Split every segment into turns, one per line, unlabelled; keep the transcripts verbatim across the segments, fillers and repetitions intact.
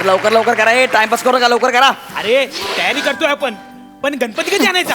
अरे लवकर लवकर करा, हे टाइमपास करू का, लवकर करा.
अरे तयारी करतोय आपण, पण गणपती कधी आणायचा?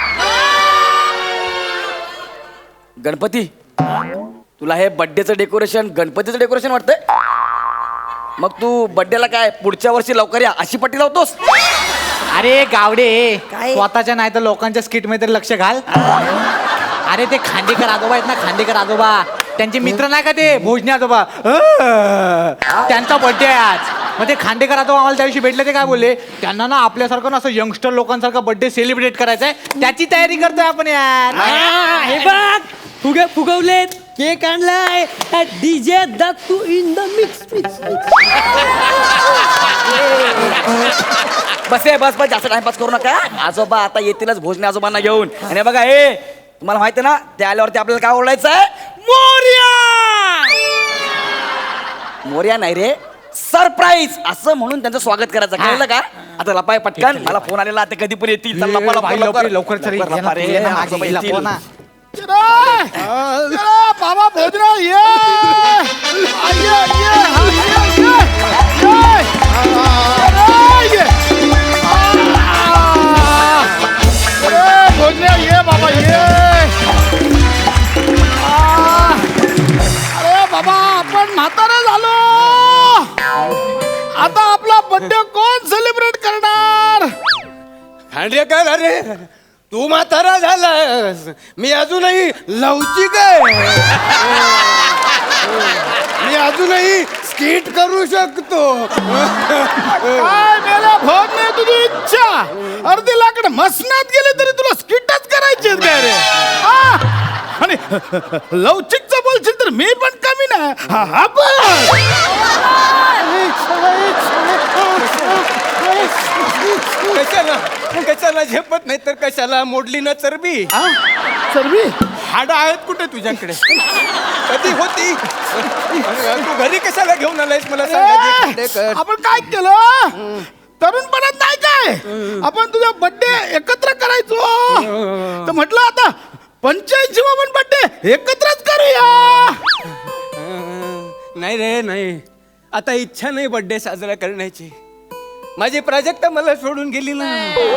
गणपती, तुला हे बर्थडेचं डेकोरेशन गणपतीचं डेकोरेशन वाटतंय? मग तू बर्थडेला काय पुढच्या वर्षी लवकर या अशी पट्टी लावतोस?
अरे गावडे,
काय?
स्वतःच्या नाही तर लोकांच्या स्किट मध्ये तरी लक्ष घाल. अरे ते खांडेकर आजोबा आहेत ना, खांडेकर आजोबा, त्यांचे मित्र नाही का ते भोजने आजोबा, अं, त्यांचा बर्थडे आहे आज. मग ते खांडेकर आजोबा आम्हाला त्या दिवशी भेटले, ते काय बोलले, त्यांना ना आपल्यासारखं ना असं यंगस्टर लोकांसारखं बर्थडे सेलिब्रेट करायचा आहे, त्याची तयारी करतोय आपण यार.
हे बघ फुगे फुगवलेत, केक आणलाय, DJ Dattu in the mix
बस आहे, बस बस, जास्त टाइमपास करू नका. आजोबा आता येतीलच भोजने आजोबांना घेऊन. आणि बघा हे तुम्हाला माहिती आहे ना, ते आल्यावरती आपल्याला काय ओरडायचं आहे? मोरया. मोरया नाही रे, सरप्राईज असं म्हणून त्यांचं स्वागत करायचं, कळलं का? आता लपाय पटकन, मला फोन आलेला, आता कधी पण येतील. चल, लपा, लपा,
भाई,
लवकर
लवकर चल,
लवकर लपा रे,
ये ना, मागे
आजोबा
लपव
येतील.
ना.
बाबा भोजराव ये ये ये भोजराव ये बाबा ये. अरे बाबा आपण म्हातारे झालो, आता आपला बर्थडे कोण सेलिब्रेट करणार?
खांडेकर, अरे तू म्हातारा झालास, मी अजूनही लवचिक आहे, मी अजूनही स्किट करू शकतो.
काय मेला भोग नाही तुझी इच्छा, अर्धी लाकड मसनात गेली तरी तुला स्किटच करायची काय रे? हा? आणि लवचिकचं बोलशील तर मी पण कमी ना. हा, हा पण.
कशाला कशाला झेपत नाही तर कशाला मोडली ना चरबी?
सर्वी
हाडं आहेत कुठे तुझ्याकडे? कधी होती? तू घरी कशाला घेऊन आलायस मला सांगायचं खांडेकर?
आपण काय केलं तरुणपणात नाही काय, आपण तुझा बर्थडे एकत्र करायचो, तर म्हटलं आता पंच्याऐंशी वा पण बर्थडे एकत्रच करूया.
नाही रे नाही, आता इच्छा नाही बर्थडे साजरा करण्याची. माझी प्राजक्ता मला सोडून गेली ना.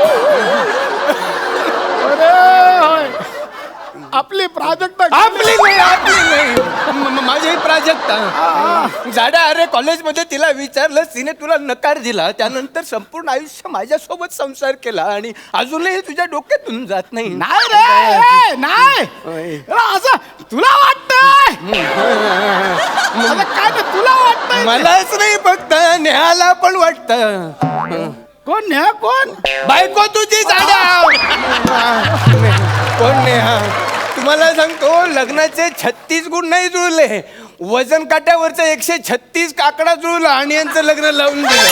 अरे होय, आपली प्राजक्ता
आपली नाही, आपली नाही, म- म- माझी प्राजक्ता जाडा. अरे कॉलेजमध्ये तिला विचारलं, तिने तुला नकार दिला, त्यानंतर संपूर्ण आयुष्य माझ्यासोबत संसार केला आणि अजूनही तुझ्या डोक्यातून जात नाही.
नाही रे, ए, नाही असं तुला वाटतंय, असं काय ते तुला वाटतंय?
मलाच नाही फक्त नेहाला पण वाटत.
कोण न्या कोण?
बायको तुझी जाडा. कोण नेहा? तुम्हाला सांगतो, लग्नाचे छत्तीस गुण नाही जुळले, वजन काट्यावरचा एकशे छत्तीस काकडा जुळला आणि यांचं लग्न लावून दिलं.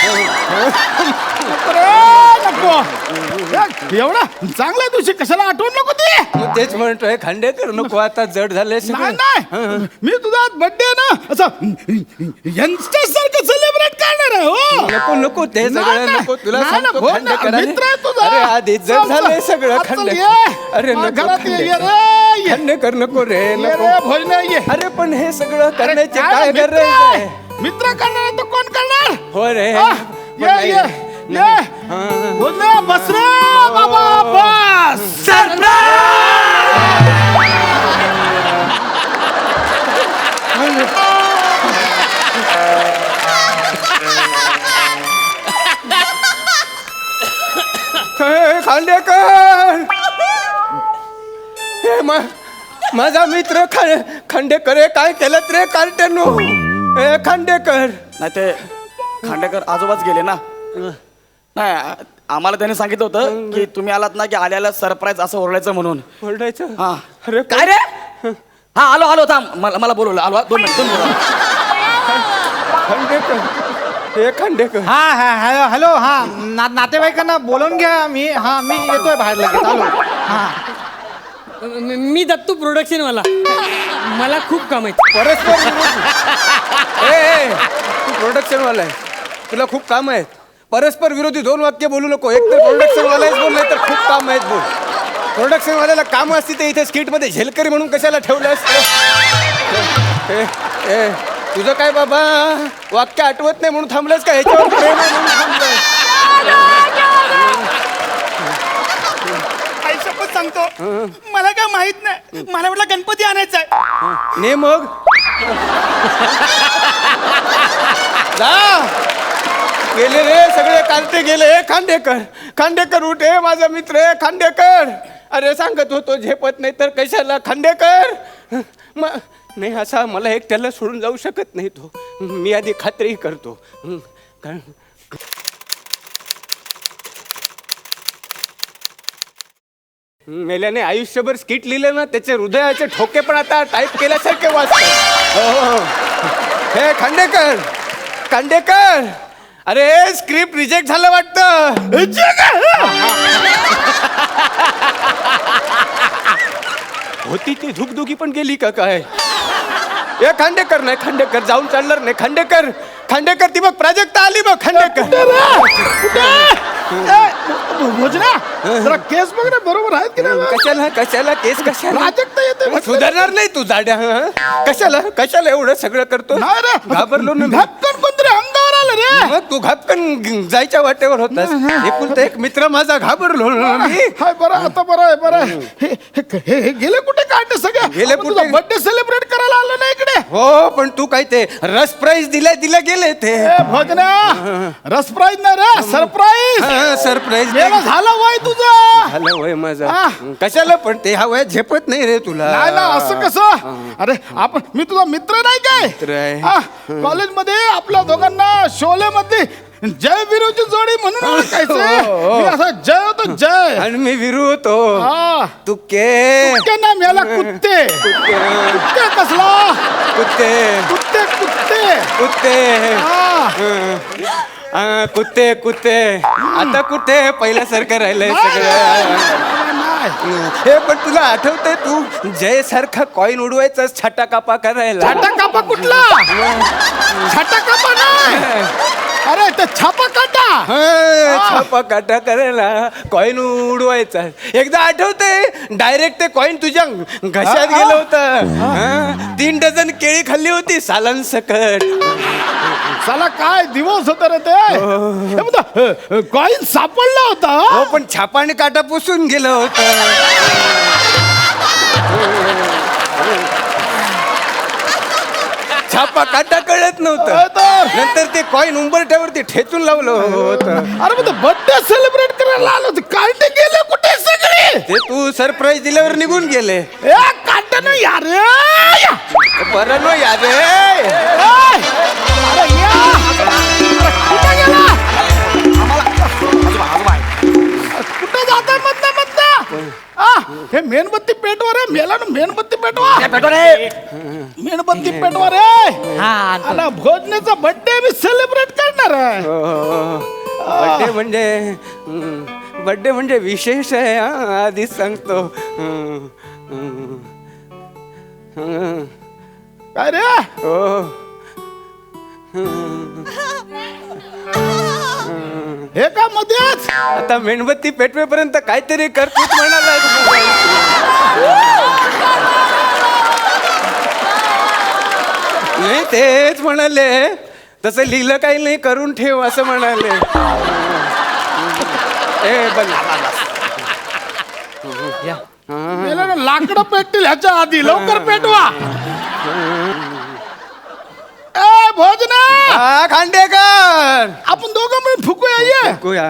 नको एवढा चांगल्या दिवशी कशाला आठवण नको ती.
मग तेच म्हणतोय खांडेकर, नको आता जड झाले
नाही नाही, मी तुझा बर्थडे ना असं यंगस्टर सारखं सेलिब्रेट करणार आहे. हो
नको नको ते
नाही,
सगळं
नाही.
नको. तुला
नाही,
सांगतो
नाही,
खांडेकर,
हो ना, मित्र आहे तुझा.
अरे आधी जड
चल,
झालंय
चल.
सगळं
आज चल,
खांडेकर.
ये.
अरे
मग
नको
घरात ये, ये
खांडेकर.
रे, ये.
खांडेकर नको रे
ये
नको.
रे, भोजन ये.
अरे पण हे सगळं करण्याचे
अरे,
काय
मित्र
गरज
आहे.
आहे?
मित्र करणार आहे तर कोण करणार?
हो रे.
हा,
पण
ये
नाही.
ये ये भोजन बस रे बाबा बस.
हे खांडेकर, हे मा- माझा मित्र खा- खांडेकर हे काय केलं रे कार्टेनो? हे खांडेकर.
नाही ते खांडेकर आजोबाच गेले ना. नाही आम्हाला त्याने सांगितलं होतं की तुम्ही आलात ना की आल्याला सरप्राईज असं ओरडायचं म्हणून.
ओरडायचं?
हा
अरे
काय रे? हा आलो आलो थांब, मला मला बोलवलं, आलो दोन मिनिट दोन मिनिट.
खांडेकर, हे खांडेकर.
हा हा हॅलो हॅलो हा ना, नातेवाईकांना बोलवून घ्या. मी हा मी येतोय बाहेर लगेच. आलो. हा
मी दत्तू प्रोडक्शन वाला, मला खूप काम आहे.
परस्पर विरोधी. ए, ए, तू प्रोडक्शन वाला आहे, तुला खूप काम आहेत. परस्पर विरोधी दोन वाक्य बोलू नको. एक तर प्रोडक्शन वालाच बोल, नाही तर खूप काम आहेत बोल. प्रोडक्शन वाल्याला काम असते ते इथे स्किट मध्ये झेलकरी म्हणून कशाला ठेवलं असतं? तुझं काय बाबा वाक्य आठवत नाही म्हणून थांबलंस का ह्याच्यावर प्रेम आहे म्हणून थांबलंय?
आई शपथ सांगतो मला काय माहित नाही मला म्हटलं गणपती आणायचा आहे
ने मग जा गेले रे सगळे कांटे गेले. ए, खांडेकर खांडेकर उठे माझा मित्र आहे खांडेकर. अरे सांगत होतो झेपत नाही तर कशाला खांडेकर. म नाही असा मला एकट्याला सोडून जाऊ शकत नाही तो. मी आधी खात्री करतो. हं, कारण मेल्याने आयुष्यभर स्किट लिहिलं ना त्याचे हृदयाचे ठोके पण आता टाईप केल्यासारखे वाचतात. हो. हे खांडेकर खांडेकर अरे स्क्रिप्ट रिजेक्ट झालं वाटतं. होती ती धुकधुकी पण गेली का काय? ए खांडेकर नाही खांडेकर जाऊन चालणार नाही. खांडेकर खांडेकर ती बघ प्राजक्ता आली बघ. खांडेकर
भोजना जरा केस बघ ना बरोबर आहेत की नाही?
कशाला कशाला केस कशाला
प्राजक्ता येते म्हटलं.
सुधारणार नाही तू जाड्या. हं? कशाला कशाला एवढं सगळं करतो?
नाही रे
घाबरलो ना मी.
धक्कन कोणतरी अंगावर आलं रे.
मग तू घापकन जायच्या वाटेवर होतास. एकुलता एक मित्र माझा घाबरलो ना मी.
हाय बरं आता बरं आहे बरं आहे. हे हे- हे हे गेले कुठे काढते सगळे?
गेले
आपण तुझा
कुठे?
बर्थडे सेलिब्रेट करायला आलो ना इकडे.
हो पण तू काय ते रस प्राईज दिल्या दिल्या गेले ते
ए भोजना सरप्राईज नाही रे सरप्राईज.
सरप्राईज
मेला झाला वय तुझं.
झालं वय माझं.
हा.
कशाला पण ते हा वय झेपत नाही रे तुला.
नाही ना असं कसं. अरे आपण मी तुझा मित्र नाही
मित्र आहे.
काय कॉलेजमध्ये आपल्या दोघांना शोले मध्ये जय विरूची जोडी म्हणून ओळखायचं.
हो.
मी असा जय होतो जय.
आणि मी विरू होतो.
हा
तू के
कुत्ते ना मेला कुत्ते. कुत्ते कसला
कुत्ते
कुत्ते कुत्ते
कुत्ते
हा.
हा, कुत्ते कुत्ते आता कुठे पहिल्यासारखं राहिलंय सगळं. हे पण तुला आठवतंय तू जय सारखा कॉईन उडवायचा छाटा कापा करायला.
छाटा कापा कुठला छाटा कापा नाही. अरे ते छापा काटा.
हा, छापा काटा करायला कॉईन उडवायचा. एकदा आठवतंय डायरेक्ट ते कॉईन तुझ्या घशात
हा,
गेलं होतं. हा, तीन डझन केळी खाल्ली होती सालान सकट.
साला काय दिवस होता रे ते. कॉईन सापडला होता.
हो पण छापा आणि काटा पुसून गेलं होतं. छापा काटा कळत
होय
नव्हतं.
तर.
नंतर ते कॉईन उंबरठ्यावरती ठेचून लावलं होतं.
अरे मग बर्थडे सेलिब्रेट करायला आलो होतो. काढते गेले कुठे सगळे.
ते तू सरप्राईज दिल्यावर निघून गेले.
ए काढते ना यार.
बरं नो याद
अरे या. अरे कुठे गेला. कुठे जाता मधनं मधनं. आ, हे मेणबत्ती पेटवा रे. मेला ना मेणबत्ती पेटवा.
पेटवा रे.
मेणबत्ती पेटवा रे.
हा आणतो.
आणि भोजनेचा बर्थडे मी सेलिब्रेट करणार आहे.
बड्डे म्हणजे बड्डे म्हणजे विशेष आहे. हा, आधीच सांगतो. हं, हं, हं.
काय रे.
हो.
हे का मध्येच.
आता मेणबत्ती पेटवेपर्यंत काहीतरी करतूच म्हणाला. नाही तेच म्हणाले तसं लिहिलं काही नाही करून ठेव असं म्हणाले. ए बन
मेला ना लाकडं पेटतील ह्याच्या आधी. लवकर पेटवा. ए भोजना
हा खांडेकर
आपण दोघं मिळून फुकूया ये.
कुया.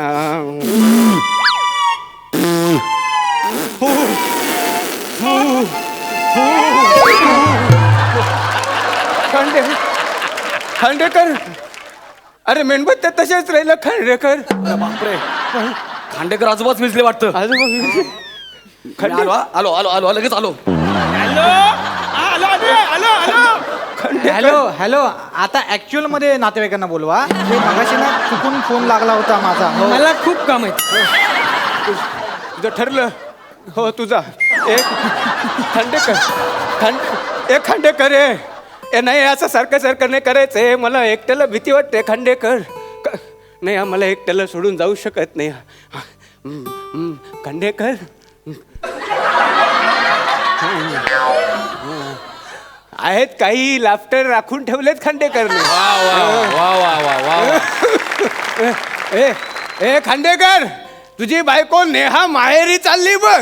खांडे खांडेकर अरे मेणबत्त्या तशाच राहिलं खांडेकर.
बापरे खांडेकर आजोबाच विजले वाटतं.
खांडे
आलो हा. आलो आलो आलो लगेच आलो.
हॅलो आलो आलो आलो आलो
हॅलो हॅलो आता ऍक्च्युअल मध्ये नातेवाईकांना बोलवा. ते मगाशी ना चुकून फोन लागला होता माझा. हो.
मला खूप काम आहे.
तुझं ठरलं. हो तुझा एक खांडेकर खांड एक खांडेकर आहे. ए नाही असं सारखं सारखं नाही करायचंय. मला एकट्याला भीती वाटते खांडेकर. क- नाही आम्हाला एकट्याला सोडून जाऊ शकत नाही. हम्म, हम्म, खांडेकर आहेत काही लाफ्टर राखून ठेवलेत खांडेकरने.
वा वा वा वा वा
ए ए खांडेकर, तुझी बायको नेहा माहेरी चालली बघ.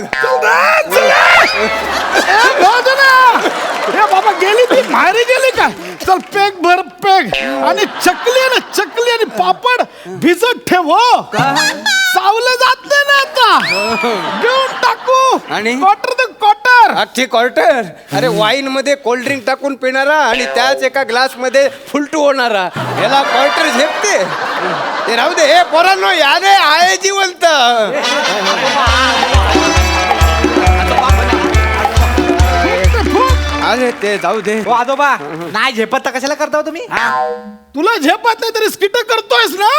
ए बाबा गेली ती माहेरी गेली का? चल पेग भर पेग आणि चकली आहे ना चकली आणि पापड भिजत ठेव हो. चावलं जात नाही ना आता. घेऊन टाकू
आणि?
क्वार्टर ते क्वार्टर.
अख्खी क्वार्टर. अरे वाईन मध्ये कोल्ड ड्रिंक टाकून पिणारा आणि त्याच एका ग्लास मध्ये फुलटू होणारा याला क्वार्टर झेपते. ते राहू दे. हे पोरांनो या रे आहे जिवंत. अरे ते जाऊ दे.
हो आजोबा, नाही झेपत तर कशाला करता हो तुम्ही?
तुला झेपत नाही तरी स्किट करतोयस ना.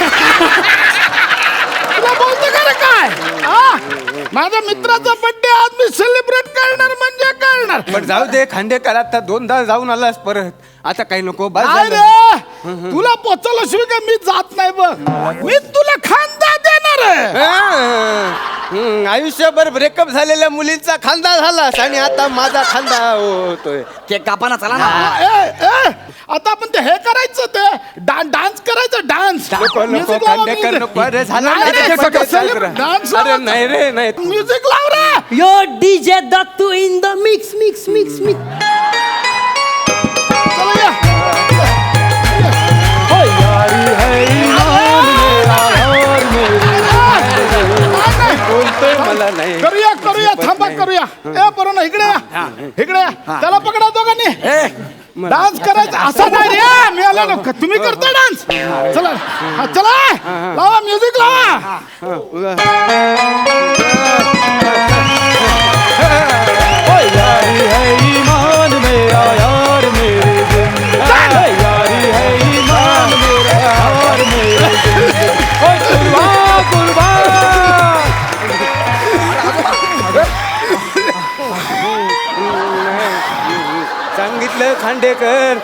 तुला बोलतो का रे काय? हा? माझ्या मित्राचा बर्थडे आज मी सेलिब्रेट करणार म्हणजे करणार.
पण जाऊ दे खांडेकर, आता दोनदा जाऊन आलास परत, आता काही नको. बस
काय
झालं.
रे तुला पोचवलं शिवाय का मी जात नाही बघ. मी तुला खांदा देणार आहे.
हं, आयुष्यभर ब्रेकअप झालेल्या मुलींचा खांदा झालास आणि आता माझा खांदा होतोय.
केक कापाना चला ना.
हा, ए, ए, आता आपण ते हे करायचं ते डा- डान्स करायचं डान्स.
नको नको खांडेकर नको. अरे झालं ना ते सगळं celebration.
डान्स
अरे नाही रे नाही.
म्युझिक लाव रे.
Yo DJ Dattu in the mix mix mix mix.
चला या.
बोलतोय मला नाही.
करूया करूया थांबा करूया. ए बरोबर इकडे या इकडे या. त्याला पकडा दोघांनी. डान्स करायचा असा नाही रे. मी आलो ना. तुम्ही करता डान्स. चला हा, चला लावा म्युझिक लावा.
सांगितलं खांडेकर.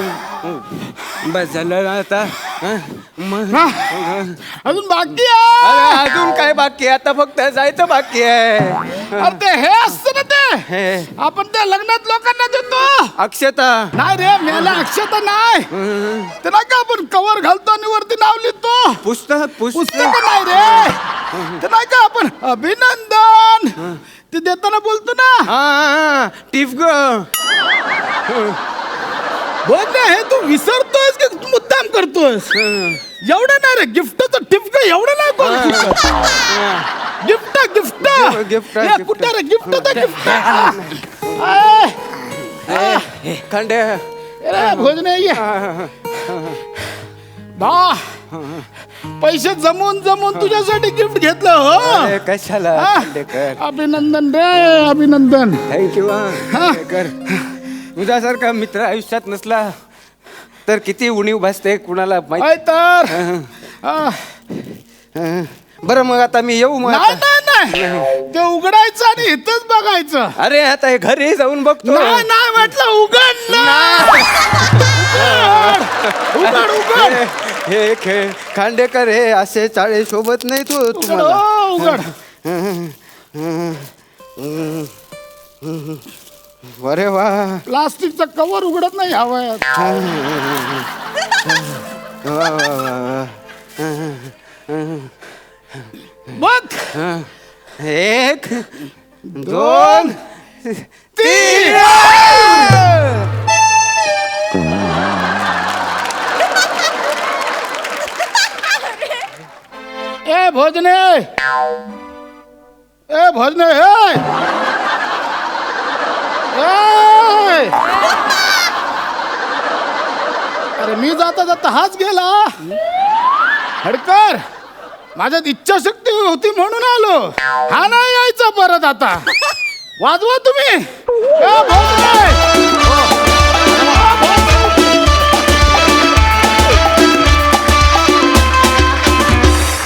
बस झालं ना आता. हं? मग
हा, अजून बाकी
अरे
आहे.
अजून काय बाकी आहे? आता फक्त जायचं बाकी आहे.
अरे ते हे असतं ना ते
हे
आपण ते लग्नात लोकांना देतो.
अक्षता.
नाही रे मेला अक्षता नाही. ते नाही का आपण कवर घालतो आणि वरती नाव लिहितो.
पुस्तक
पुस्तक
पुस्तक
नाही रे. ते नाही का आपण अभिनंदन ते देताना बोलतो ना.
हा टिफ ग.
बोल ना हे तू विसरतोयस की तू मुद्दाम करतोयस? एवढं नाही रे गिफ्टचं टिपक एवढं नाही बोल. गिफ्ट गिफ्ट
गिफ्ट,
हे
गिफ्ट.
कुठं रे गिफ्ट तर गिफ्ट.
खांडे.
भोजन बा पैसे जमून जमून तुझ्यासाठी गिफ्ट घेतलं हो.
अरे कशाला
हा?
खांडेकर.
अभिनंदन रे अभिनंदन.
थँक्यू खांडेकर. तुझ्यासारखा मित्र आयुष्यात नसला तर किती उणीव भासते कुणाला माहिती.
काय तर हा.
बरं मग आता मी येऊ मग
नाही
आता?
नाही नाही ते उघडायचं आणि इथंच बघायचं.
अरे आता हे घरी जाऊन बघतो.
नाही नाही म्हटलं उघड ना. उघड उघड
हे खेळ खांडेकर हे असे चाळे सोबत नाही तू
उघड
तुम्हाला.
हो, उघड.
अरे वा.
प्लास्टिकचं कवर उघडत नाही हवं.
वा, वा, वा, वा.
बघ
एक दोन तीन.
ए भोजने ए भोजने ए ए! अरे मी जाता जाता हाच गेला. हडकर माझ्यात इच्छाशक्ती होती म्हणून आलो. हा नाही यायचा परत आता. वाजवा तुम्ही. ए भोजने